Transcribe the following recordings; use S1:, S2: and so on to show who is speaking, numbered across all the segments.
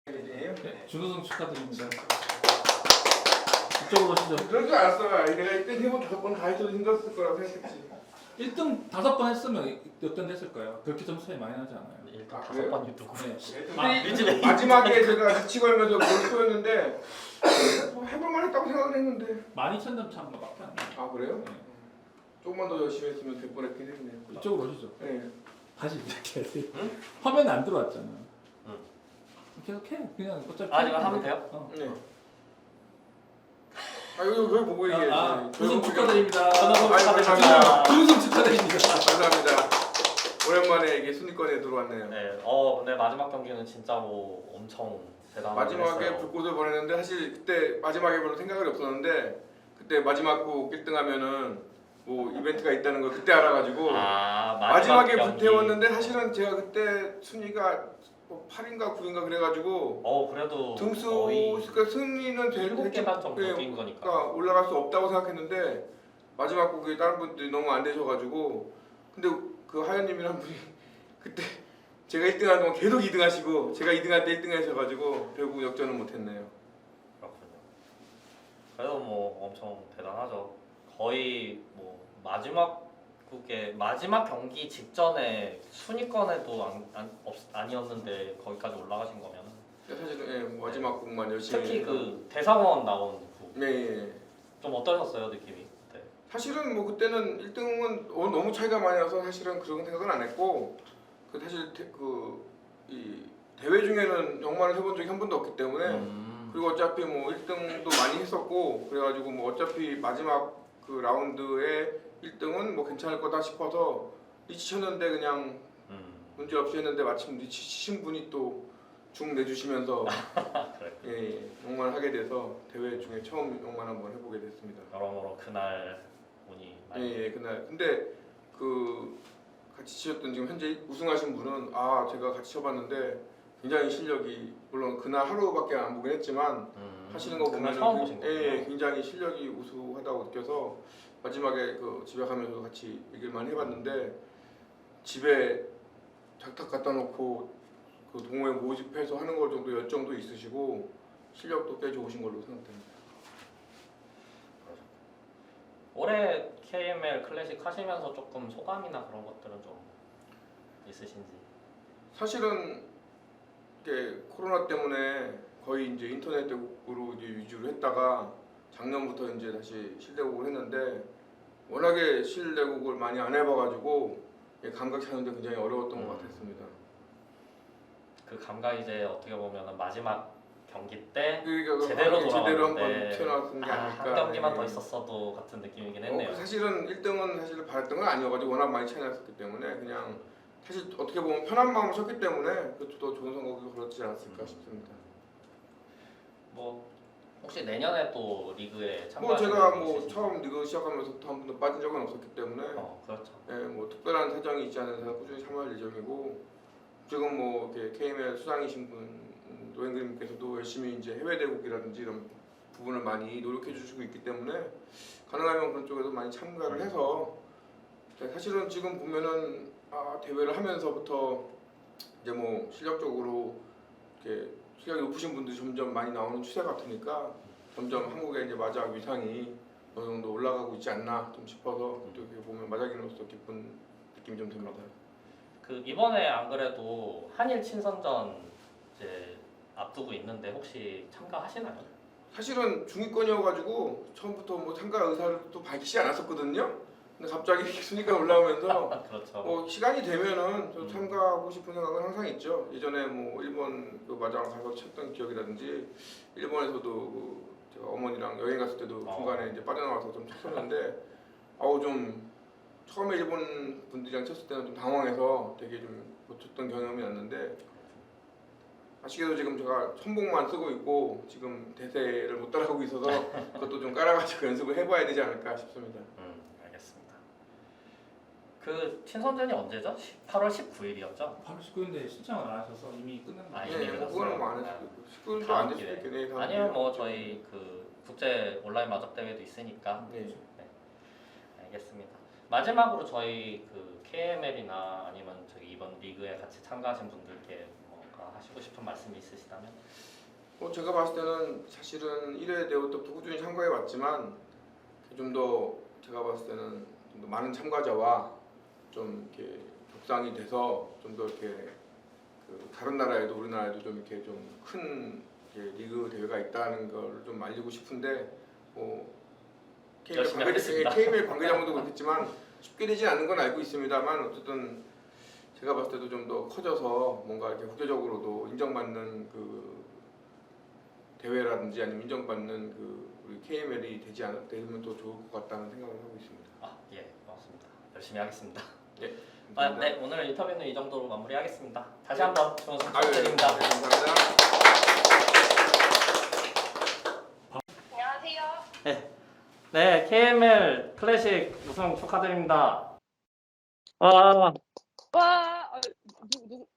S1: 네, 준우승 축하드립니다. 이쪽으로 오시죠.
S2: 그럴 줄 알았어. 내가 이때 3번 5번 다 해줘도 힘들었을 거라고 생각했지.
S1: 1등 5번 했으면 역전됐을 거예요. 그렇게 점수 차이 많이 나지 않아요.
S3: 일단
S2: 아,
S3: 5번이 누구?
S1: 네.
S3: 요즘에
S2: 마지막에 제가 눈치 걸면서 뭘 쏘였는데 뭐 해볼만 했다고 생각을 했는데
S1: 12,000점 차이밖에 안 나요.
S2: 아 그래요?
S1: 네.
S2: 조금만 더 열심히 했으면 될 뻔했긴 했네요.
S1: 이쪽으로 오시죠.
S2: 네.
S1: 다시 이렇게 하세요.
S3: 응?
S1: 화면에 안 들어왔잖아.
S3: 응.
S1: 계속 해. 그냥 어차피.
S3: 아, 이거 하면 돼요?
S2: 네. 아 여기 보고 얘기해.
S1: 우승 축하드립니다.
S2: 감사합니다.
S1: 우승 축하드립니다.
S2: 감사합니다. 오랜만에 이게 순위권에 들어왔네요.
S3: 네. 근데 마지막 경기는 진짜 뭐 엄청 대단한.
S2: 마지막에 불꽃을 보냈는데 사실 그때 마지막에 별로 생각이 없었는데 그때 마지막 곡 1등 하면은 뭐 이벤트가 있다는 걸 그때 알아가지고 마지막에 불태웠는데 사실은 제가 그때 순위가 뭐 8인가 9인가 그래가지고
S3: 그래도
S2: 등수
S3: 거의
S2: 그러니까 승리는
S3: 7개만 정도
S2: 네,
S3: 뛴 거니까.
S2: 그러니까 올라갈 수 없다고 생각했는데 마지막 곡에 다른 분들이 너무 안 되셔가지고 근데 그 하연님이란 분이 그때 제가 1등하는 동안 계속 2등하시고 제가 2등할 때 1등하셔가지고 결국 역전은 못했네요.
S3: 그렇군요. 그래도 뭐 엄청 대단하죠. 거의 뭐 마지막 경기 직전에 순위권에도 아니었는데 거기까지 올라가신 거면은.
S2: 근데 사실은 마지막 곡만 열심히
S3: 특히
S2: 해서.
S3: 그 대상원 나온 곡.
S2: 네.
S3: 좀 어떠셨어요 느낌이? 그때?
S2: 사실은 뭐 그때는 1등은 너무 차이가 많이 나서 사실은 그런 생각은 안 했고 그 사실 이 대회 중에는 영만을 해본 적이 한 번도 없기 때문에 그리고 어차피 뭐 1등도 많이 했었고 그래가지고 뭐 어차피 마지막 그 라운드에 1등은 뭐 괜찮을 거다 싶어서 리치 쳤는데 그냥 문제 없이 했는데 마침 리치 치신 분이 또 중 내주시면서 예, 영만을 하게 돼서 대회 중에 처음 영만 한번 해보게 됐습니다.
S3: 여러모로 그날 운이 많이.
S2: 예, 그날 근데 그 같이 치셨던 지금 현재 우승하신 분은 제가 같이 쳐봤는데 굉장히 실력이 물론 그날 하루밖에 안 보긴 했지만 하시는 거
S3: 그날
S2: 보면
S3: 처음 보신 거예요?
S2: 예, 굉장히 실력이 우수하다고 느껴서 마지막에 그 집에 가면서 같이 얘기를 많이 해봤는데 집에 작탁 갖다 놓고 그 동호회 모집해서 하는 걸 정도 열정도 있으시고 실력도 꽤 좋으신 걸로 생각됩니다.
S3: 올해 KML 클래식 하시면서 조금 소감이나 그런 것들은 좀 있으신지?
S2: 사실은 이게 코로나 때문에 거의 이제 인터넷으로 이제 위주로 했다가 작년부터 이제 다시 실내곡을 했는데 워낙에 실내곡을 많이 안 해봐가지고 감각 찾는데 굉장히 어려웠던 것 같았습니다.
S3: 그 감각 이제 어떻게 보면 마지막 경기 때
S2: 그러니까
S3: 제대로
S2: 제대로 한번
S3: 돌아왔는데
S2: 튀어나왔던 게 아닐까.
S3: 한 경기만
S2: 네.
S3: 더 있었어도 같은 느낌이긴 했네요.
S2: 사실은 1등은 사실 바랬던 건 아니어가지고 워낙 많이 차이 났었기 때문에 그냥 사실 어떻게 보면 편한 마음을 쳤기 때문에 그것도 더 좋은 선곡이 그렇지 않았을까 싶습니다.
S3: 뭐 혹시 내년에 또 리그에
S2: 뭐
S3: 참가하시는
S2: 제가
S3: 분이
S2: 뭐
S3: 있으신지?
S2: 처음 리그 시작하면서부터 한 번도 빠진 적은 없었기 때문에
S3: 그렇죠.
S2: 뭐 특별한 사정이 있지 않은 이상 꾸준히 참여할 예정이고 지금 뭐 이렇게 KML 수장이신 분 노행그님께서도 열심히 이제 해외 대국이라든지 이런 부분을 많이 노력해 주시고 있기 때문에 가능하면 그런 쪽에도 많이 참가를 해서 사실은 지금 보면은 대회를 하면서부터 이제 뭐 실력적으로 이렇게 실력이 높으신 분들이 점점 많이 나오는 추세 같으니까 점점 한국의 이제 마작 위상이 어느 정도 올라가고 있지 않나 좀 싶어서 어떻게 보면 마작인으로서 기쁜 느낌이 좀 듭니다.
S3: 그 이번에 안 그래도 한일 친선전 이제 앞두고 있는데 혹시 참가하시나요?
S2: 사실은 중위권이어가지고 처음부터 뭐 참가 의사를 또 밝히지 않았었거든요. 근데 갑자기 순위가 올라오면서
S3: 그렇죠.
S2: 뭐 시간이 되면은 저 참가하고 싶은 생각은 항상 있죠. 예전에 뭐 일본 그 마장 가서 쳤던 기억이라든지 일본에서도 그 제가 어머니랑 여행 갔을 때도 중간에 이제 빠져나와서 좀 쳤었는데 좀 처음에 일본 분들이랑 쳤을 때는 좀 당황해서 되게 좀 못 쳤던 경험이 났는데 아쉽게도 지금 제가 천복만 쓰고 있고 지금 대세를 못 따라가고 있어서 그것도 좀 깔아가지고 연습을 해봐야 되지 않을까 싶습니다.
S3: 알겠습니다. 그 친선전이 언제죠? 8월 19일이었죠?
S1: 8월 19일인데 신청을 안 하셔서 이미 끝난 거
S3: 이미
S2: 네, 뭐 그거는 뭐 안 했을
S3: 끝났어요.
S2: 수도 있고 19일도
S3: 다음
S2: 안 됐을
S3: 기회에.
S2: 수도 있겠네.
S3: 아니면 뭐 저희 그 국제 온라인 마적 대회도 있으니까.
S2: 네.
S3: 알겠습니다. 마지막으로 저희 그 KML이나 아니면 저기 이번 리그에 같이 참가하신 분들께 뭐 하시고 싶은 말씀이 있으시다면?
S2: 제가 봤을 때는 사실은 1회 대회 때부터 꾸준히 참가해 왔지만 좀 더 제가 봤을 때는 좀 더 많은 참가자와 좀 이렇게 격상이 돼서 좀 더 이렇게 그 다른 나라에도 우리나라에도 좀 이렇게 좀 큰 리그 대회가 있다는 걸 좀 알리고 싶은데 뭐
S3: 열심히 하겠습니다.
S2: KBL 관계자분도 그렇겠지만 쉽게 되지 않는 건 알고 있습니다만 어쨌든 제가 봤을 때도 좀 더 커져서 뭔가 이렇게 국제적으로도 인정받는 그 대회라든지 아니면 인정받는 그 우리 KML이 되면 더 좋을 것 같다는 생각을 하고 있습니다.
S3: 예, 고맙습니다. 열심히 하겠습니다.
S2: 네,
S3: 네, 오늘 인터뷰는 이 정도로 마무리하겠습니다. 다시 한번 좋은 승
S2: 네,
S3: 축하드립니다.
S2: 감사합니다.
S4: 안녕하세요.
S3: 네, KML 클래식 우승 축하드립니다.
S4: 와,
S5: 누구?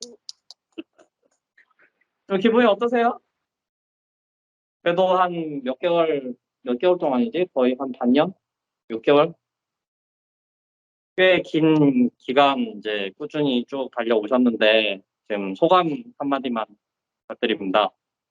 S4: 기분이 어떠세요? 그래도 한 몇 개월 동안이지? 거의 한 반년? 6개월? 꽤 긴 기간 이제 꾸준히 쭉 달려오셨는데, 지금 소감 한마디만 부탁드립니다.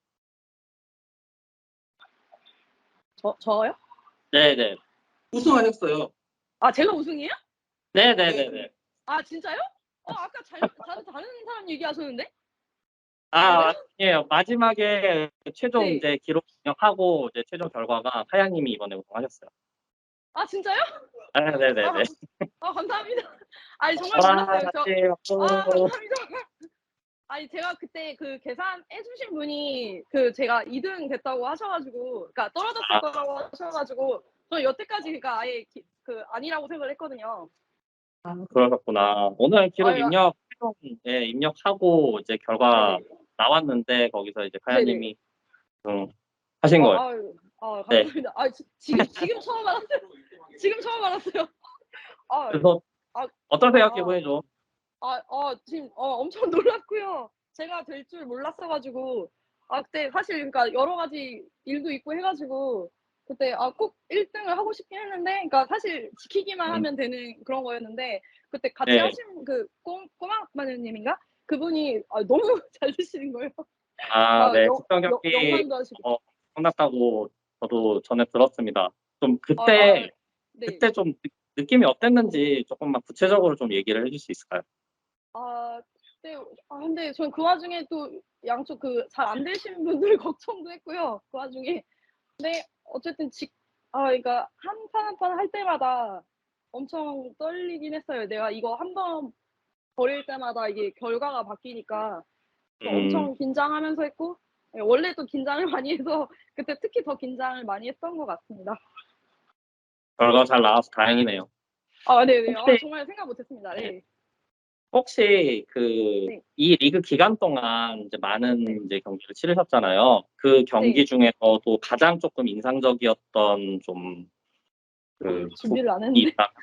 S5: 저요?
S4: 네네. 우승하셨어요.
S5: 아, 제가 우승이에요?
S4: 네네네네.
S5: 아, 진짜요? 아까 다른 사람 얘기하셨는데?
S4: 아, 아니에요. 마지막에 최종
S5: 네.
S4: 이제 기록 입력하고 이제 최종 결과가 하양님이 이번에 우승하셨어요.
S5: 아, 진짜요?
S4: 네네네네.
S5: 감사합니다. 아니, 정말
S4: 와,
S5: 몰랐어요.
S4: 같이
S5: 감사합니다. 아니, 제가 그때 그 계산해주신 분이 제가 2등 됐다고 하셔가지고, 그러니까 떨어졌을 거라고 하셔가지고, 저는 여태까지 그러니까 아예 아니라고 생각을 했거든요.
S4: 그러셨구나. 오늘 기록
S5: 아유,
S4: 입력하고 이제 결과
S5: 네네.
S4: 나왔는데 거기서 이제
S5: 네네.
S4: 카야님이 하신 거예요. 네.
S5: 감사합니다. 지금 처음 알았어요. 지금 처음 알았어요.
S4: 그래서
S5: 아,
S4: 어떠세요,
S5: 아,
S4: 기분이 좀?
S5: 지금 엄청 놀랐고요. 제가 될 줄 몰랐어가지고 그때 사실 그러니까 여러 가지 일도 있고 해가지고 그때 꼭 1등을 하고 싶긴 했는데 그러니까 사실 지키기만 하면 되는 그런 거였는데 그때 같이
S4: 네.
S5: 하신 그 꼬막 마녀님인가 그분이 너무 잘 드시는 거예요.
S4: 네.
S5: 영,
S4: 특정 경기
S5: 영만도 하시고.
S4: 끝났다고 저도 전에 들었습니다. 좀
S5: 네.
S4: 그때 좀 느낌이 어땠는지 조금만 구체적으로 좀 얘기를 해줄 수 있을까요?
S5: 네. 근데 전 그 와중에 또 양쪽 잘 안 되신 분들 걱정도 했고요. 그 와중에. 근데 어쨌든 그러니까 한 판 한 판 할 때마다 엄청 떨리긴 했어요. 내가 이거 한 번 버릴 때마다 이게 결과가 바뀌니까 또 엄청 긴장하면서 했고 예, 원래 또 긴장을 많이 해서 그때 특히 더 긴장을 많이 했던 것 같습니다.
S4: 결과 잘 나와서 다행이네요.
S5: 네네.
S4: 혹시
S5: 정말 생각 못했습니다. 네.
S4: 혹시
S5: 네.
S4: 이 리그 기간 동안 이제 많은
S5: 네.
S4: 이제 경기를 치르셨잖아요. 그 경기
S5: 네.
S4: 중에서도 가장 조금 인상적이었던
S5: 준비를 안
S4: 부분이
S5: 했는데.
S4: 있다.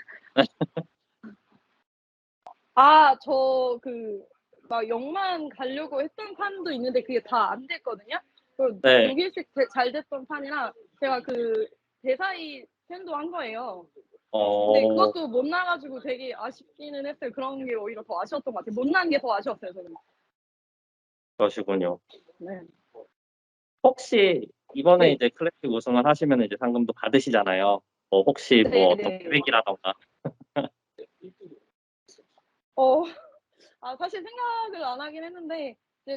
S5: 저 막 0만 가려고 했던 판도 있는데 그게 다 안 됐거든요.
S4: 네.
S5: 6일씩 잘 됐던 판이라 제가 대사이 팬도 한 거예요. 근데 그것도 못 나가지고 되게 아쉽기는 했어요. 그런 게 오히려 더 아쉬웠던 것 같아요. 못 난 게 더 아쉬웠어요, 저는.
S4: 그러시군요.
S5: 네.
S4: 혹시 이번에
S5: 네.
S4: 이제 클래식 우승을 하시면 이제 상금도 받으시잖아요. 혹시 어떤
S5: 네네.
S4: 계획이라던가.
S5: 사실 생각을 안 하긴 했는데, 이제,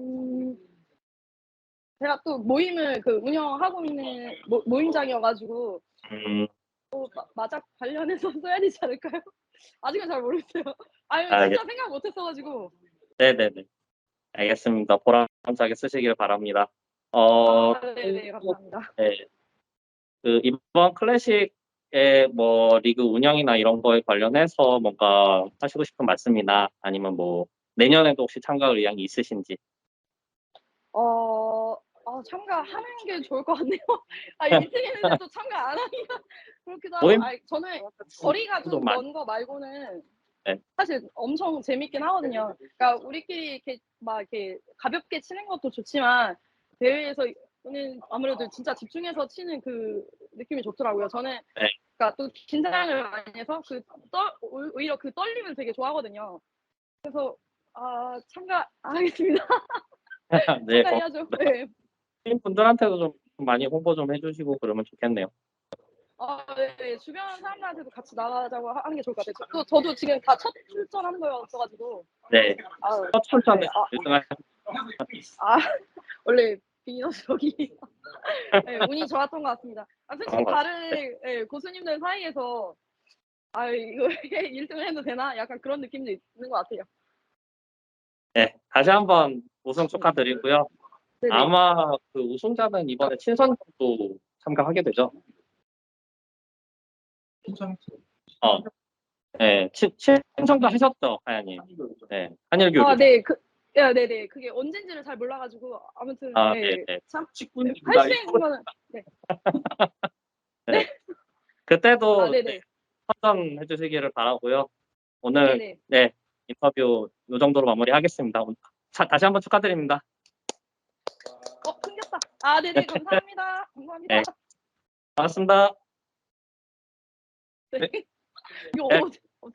S5: 제가 또 모임을 운영하고 있는 모임장이어가지고, 마작 관련해서 써야 되지 않을까요? 아직은 잘 모르겠어요. 진짜 생각 못 했어가지고.
S4: 네네네. 알겠습니다. 보람차게 쓰시길 바랍니다.
S5: 네네, 감사합니다.
S4: 네. 이번 클래식의 리그 운영이나 이런 거에 관련해서 뭔가 하시고 싶은 말씀이나 아니면 내년에도 혹시 참가할 의향이 있으신지.
S5: 참가하는 게 좋을 것 같네요. 1등 했는데 또 참가 안 하기가 그렇기도 하고.
S4: 모임?
S5: 저는 거리가 좀
S4: 많이.
S5: 먼 거 말고는
S4: 네.
S5: 사실 엄청 재밌긴 하거든요. 그러니까 우리끼리 이렇게 가볍게 치는 것도 좋지만 대회에서는 아무래도 진짜 집중해서 치는 그 느낌이 좋더라고요. 저는
S4: 네.
S5: 그러니까 또 긴장을 많이 해서 오히려 그 떨림을 되게 좋아하거든요. 그래서 참가 안 하겠습니다.
S4: 네,
S5: 참가해야죠. 네.
S4: 팀 분들한테도 좀 많이 홍보 좀 해주시고 그러면 좋겠네요.
S5: 네. 주변 사람들한테도 같이 나가자고 하는 게 좋을 것 같아요. 저도 지금 다 첫 출전한 거였어가지고.
S4: 네,
S5: 아유,
S4: 첫 출전에
S5: 네.
S4: 1등할
S5: 원래 비너스력이 네, 운이 좋았던 것 같습니다. 솔직히
S4: 그런 것
S5: 다른 예, 고수님들 사이에서 이거 1등을 해도 되나? 약간 그런 느낌도 있는 것 같아요.
S4: 네, 다시 한번 우승 축하드리고요.
S5: 네네.
S4: 아마 그 우승자는 이번에 친선도 참가하게 되죠. 네, 친선도 하셨죠, 하야님. 네, 한일교육.
S5: 네, 네네. 그게 언젠지를 잘 몰라가지고 아무튼
S4: 네, 네.
S5: 참 할 수 있는 거는
S4: 네. 그때도
S5: 네네.
S4: 선전해 주시기를 바라고요. 오늘
S5: 네네.
S4: 네, 인터뷰 이 정도로 마무리하겠습니다. 다시 한번 축하드립니다.
S5: 끊겼다. 네네. 감사합니다. 감사합니다.
S4: 네. 반갑습니다.
S5: 네. 이거
S4: 네.